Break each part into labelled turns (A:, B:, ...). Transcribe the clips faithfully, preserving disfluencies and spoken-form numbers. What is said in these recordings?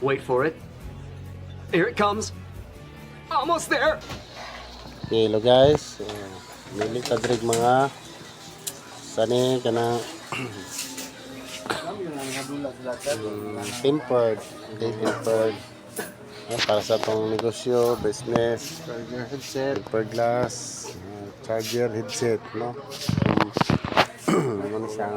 A: Wait for it. Here it comes. Almost there.
B: Okay, hello guys. So, mili ka diri mga sani kanang um, tempered, okay, tempered. Ah, para sa tong negosyo, business, charger headset, tempered glass, uh, charger headset, no? Ano siyang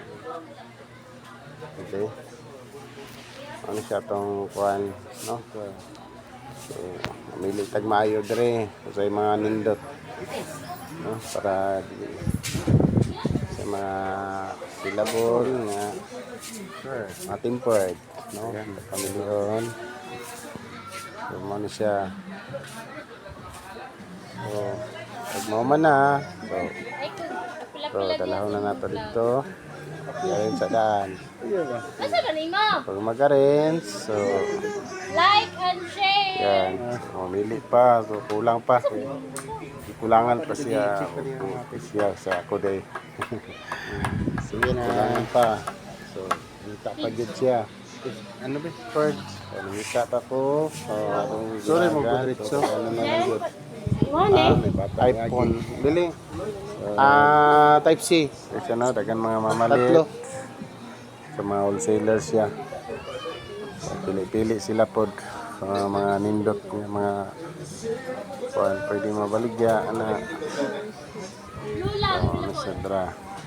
B: okay. Ano siya tong kuan, no? So, mamili tag maayo dire sa mga nindot, no? Para sa mga syllable nga sure, mga tempered, no? Pamilyon. So, ano siya. So, pag mauman na, so, so dalahon na nato dito. Galing sa daan.
C: Nasa ba ni mo?
B: Pag mag-arrange, so,
C: Like and share!
B: yan. So, mamili pa. So, kulang pa. Kulangan pa siya. Okay, siya sa ako day. Sige na. Kulangan pa. So, nita pa dyan siya. Ano ba? First. So, nita pa ko. So, sorry mo po dito. Ano na lang yun?
C: Iwan eh.
B: iPhone. Bili. Ah, Type C. Kasi ano, dagan mga mamalit. Tatlo. Sa mga wholesalers siya. So, pili-pili sila pod sa mga nindot ng mga kuan pwede mabaligya ana.
C: Lula.
B: So, ano siya dra.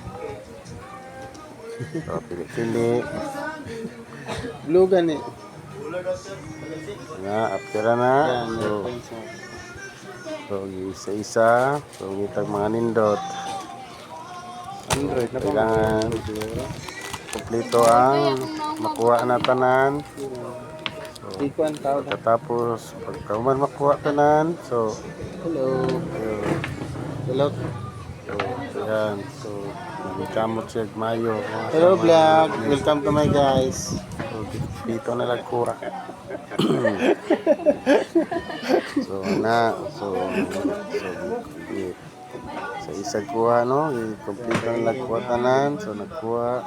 B: So, pili-pili. Lugan eh. Nga, after na. So, so isa-isa. So, ngitag mga nindot. Android na kailangan kompleto ang makuha na tanan. So, pagkatapos, pagka man makuha tanan, so, hello. Hello. So, ayan. So, nagkamot siya mayo. Hello vlog. Welcome to my guys. So, dito na lang kura. So, na. So, so, sa isang kuha, no? I-complete ang nagkuha tanan. So, nagkuha.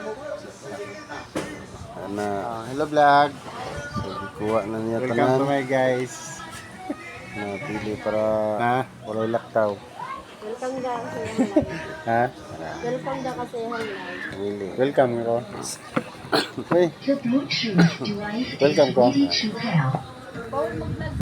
B: Ana. Hello vlog. So, ikuha na niya tanan. Welcome to my guys. Napili para walay laktaw.
C: Welcome da kasi
B: Ha?
C: Welcome da kasi
B: Really. Welcome ko. Hey. Welcome ko.